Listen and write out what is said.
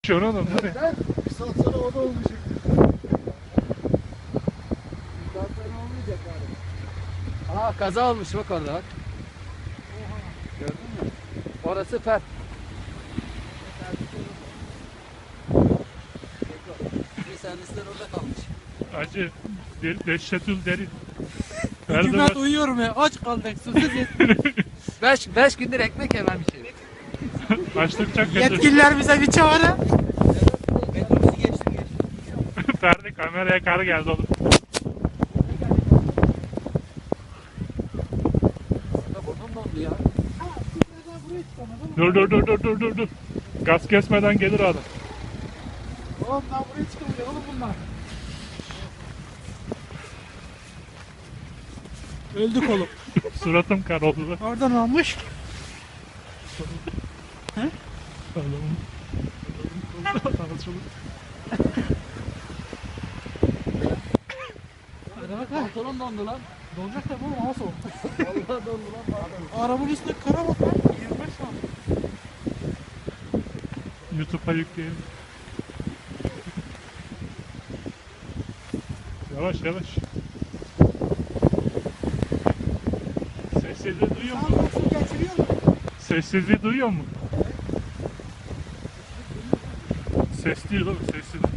Şunu oğlum. Bir saat sonra o da olmayacak. Bir saat sonra olmayacak abi. Aa, kaza olmuş bak orada bak. Gördün mü? Orası fer. Bir servisler orada kalmış. Acı. Dehşetül derin. Hükümet uyuyorum ya. Aç kaldık. Susuz yet- 5 gündür ekmek yemem bir şey. Açlık çok kötü. yetkililer bize bir çağrı. Metrobüsü geçtim. Ferdi kameraya kar geldi oğlum. Burnum dondu ya. Dur. Gaz kesmeden gelir adam. Oğlum daha buraya çıkamıyor oğlum bunlar. Öldük oğlum. Suratım kar oldu da. Oradan almış. Adamın. Hadi bak ha. Pantolon dondu lan. Dolacak tabi oğlum hava soğuk. Vallahi dondu lan. Arabanın üstünde kara bak lan. 25 saat. YouTube'a yükleyelim. Yavaş. Sessizliği duyuyor musun? Sağ olsun geçiriyor mu? Sessizliği duyuyor musun? Ses değil oğlum, sessizlik.